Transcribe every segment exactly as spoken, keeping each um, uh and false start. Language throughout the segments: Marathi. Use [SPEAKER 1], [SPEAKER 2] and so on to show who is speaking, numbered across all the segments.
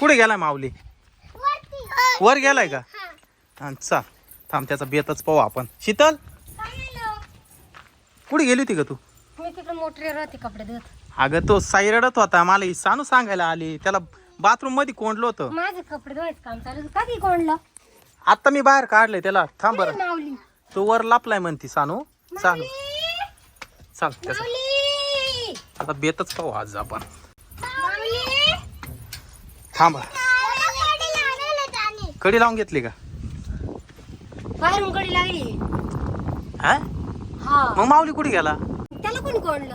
[SPEAKER 1] कुठे गेलाय माऊली? वर गेलाय का? हा चाल थांब त्याचा बेतच पाहू आपण. शीतल कुठे गेली होती का तू?
[SPEAKER 2] मी तिकडे मोटरीवर होते कपडे धुत.
[SPEAKER 1] अगं तो साई रडत होता, मला ही सानू सांगायला आली. त्याला बाथरूम मध्ये कोंडलं होतं.
[SPEAKER 2] माझे कपडे धुवायचं काम चालू होतं. कधी कोणलं?
[SPEAKER 1] आता मी बाहेर काढले त्याला. थांब बरं.
[SPEAKER 2] माऊली
[SPEAKER 1] तो वर लापलाय म्हणती सानू. चाल चाल त्याचा
[SPEAKER 2] माऊली
[SPEAKER 1] आता बेतच पाहू आज आपण.
[SPEAKER 2] माऊली
[SPEAKER 1] थांब कडी लावून घेतली का?
[SPEAKER 2] बाहेरून गडी लागली.
[SPEAKER 1] हा
[SPEAKER 2] हा
[SPEAKER 1] मग माऊली कुठे गेला?
[SPEAKER 2] त्याला कोणी कोणलं?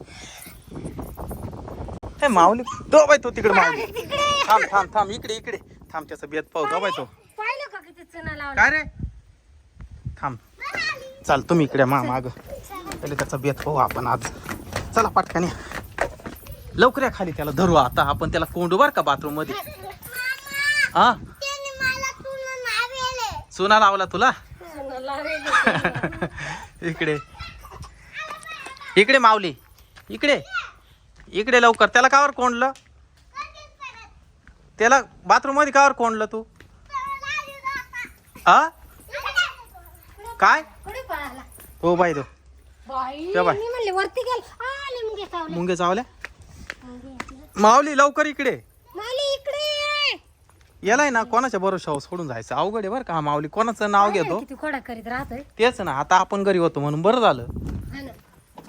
[SPEAKER 1] हे माऊली तो बाय तो तिकडे माऊली.
[SPEAKER 2] तिकडे
[SPEAKER 1] थांब थांब थांब इकडे इकडे थांब त्याचा बेत पाहू. तो बाय तो
[SPEAKER 2] पाहिलं का किती चणा लावला?
[SPEAKER 1] काय रे थांब चाल तुम्ही इकडे मा माग पहिले त्याचा बेत पाहू आपण आज. चला पटकन लवकर या खाली. त्याला धरू आता आपण. त्याला कोंडू बर का बाथरूम मध्ये. हा चुना लावला तुला? इकडे इकडे माऊली इकडे इकडे लवकर. त्याला कावर कोंडलं? त्याला बाथरूम मध्ये कावर कोंडलं तू? हा काय
[SPEAKER 2] कुठे पळाला?
[SPEAKER 1] हो बाई तो
[SPEAKER 2] बाई
[SPEAKER 1] त्या बाय.
[SPEAKER 2] मी म्हणले वरती गेल. आले मुंगे चावले.
[SPEAKER 1] मुंगे चावल्या. माऊली लवकर इकडे.
[SPEAKER 2] माऊली इकडे ये.
[SPEAKER 1] यालाय ना कोणाच्या भरोशावर सोडून जायचं अवघड आहे बरं का. हा माऊली कोणाचं नाव घेतो
[SPEAKER 2] किती खोडा करीत राहतोय.
[SPEAKER 1] तेच ना. आता आपण घरी होतो म्हणून बरं झालं.
[SPEAKER 2] हा ना.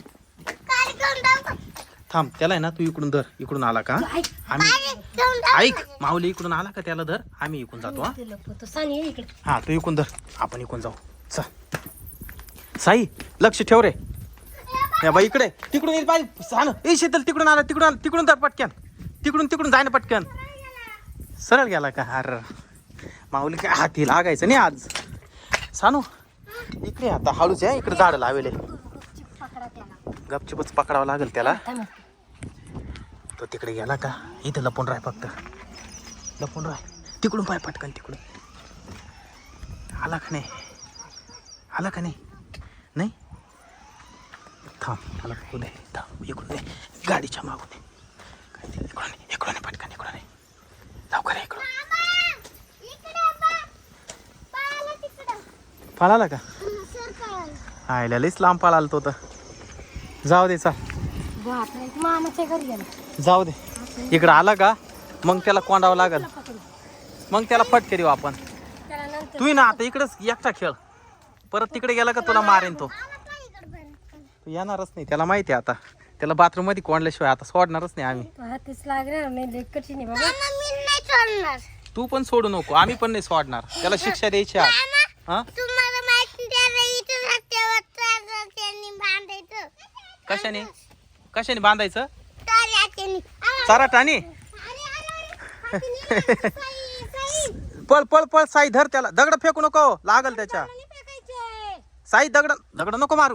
[SPEAKER 1] थांब त्याला आहे ना तू इकडून धर. इकडून आला का
[SPEAKER 2] ऐक.
[SPEAKER 1] आम्ही ऐक माऊली इकडून आला का त्याला धर. आम्ही इकडून जातो. हा
[SPEAKER 2] ते लपवतो. सानी ये इकडे.
[SPEAKER 1] हा तू इकडून धर. आपण इकडून जाऊ. चल साई लक्ष ठेव रे. या बाई इकडे तिकडून येईल बाई. सांग ए शीतल तिकडून आला तिकडून आला तिकडून धर पटक्यान. तिकडून तिकडून जाय ना पटक्यान. सरळ गेला का? अर माऊली काय हाती लागायचं नाही आज. सानू इकडे आता हळूच आहे. इकडे झाड लावेले.
[SPEAKER 2] पकडा त्याला.
[SPEAKER 1] गपचूपच पकडावं लागेल त्याला.
[SPEAKER 2] थांब.
[SPEAKER 1] तो तिकडे गेला का? इथं लपून राह फक्त. लपून राह. तिकडून पाय पटकन तिकडून. आला का नाही? आला का नाही? नाही थांब मला बघू दे. थांब इकडून दे. गाडीच्या मागून दे. काय ते इकडून ये, इकडून ये, पटकन इकडून ये. लवकर ये इकडून. पळाला का? आयला लईच लांब पळाला तो तर. जाऊ दे चाल.
[SPEAKER 2] बापरे मामाच्या घरी गेला.
[SPEAKER 1] जाऊ दे. इकडं आला का मग त्याला कोंडावं लागल. मग त्याला फटके देऊ आपण.
[SPEAKER 2] त्याला नंतर
[SPEAKER 1] तू ना आता इकडेच एकटा खेळ. परत तिकडे गेला का तुला मारेन तो. तू येणारच नाही. त्याला माहिती आहे आता. त्याला बाथरूम मध्ये कोंडल्याशिवाय आता सोडणारच नाही आम्ही.
[SPEAKER 2] हातीच लागणार नाही. लई कठीण आहे बाबा.
[SPEAKER 1] तू पण सोडू नको. आम्ही पण नाही सोडणार. त्याला शिक्षा द्यायची आज. हा कशाने कशाने बांधायचं? चाराटाने. पळ पळ पळ साई धर त्याला. दगड फेकू नको लागल त्याच्या. साई दगड दगड नको मारू.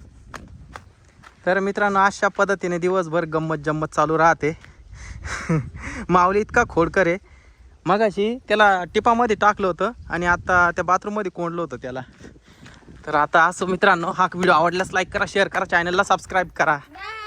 [SPEAKER 1] तर मित्रांनो अशा पद्धतीने दिवसभर गंमत जम्मत चालू राहते. माऊली इतका खोडकर आहे. मगाशी त्याला टिपामध्ये टाकलं होतं आणि आता त्या बाथरूममध्ये कोंडलं होतं त्याला. तर आता असं मित्रांनो हा व्हिडिओ आवडल्यास लाईक करा, शेअर करा, चॅनलला सबस्क्राईब करा.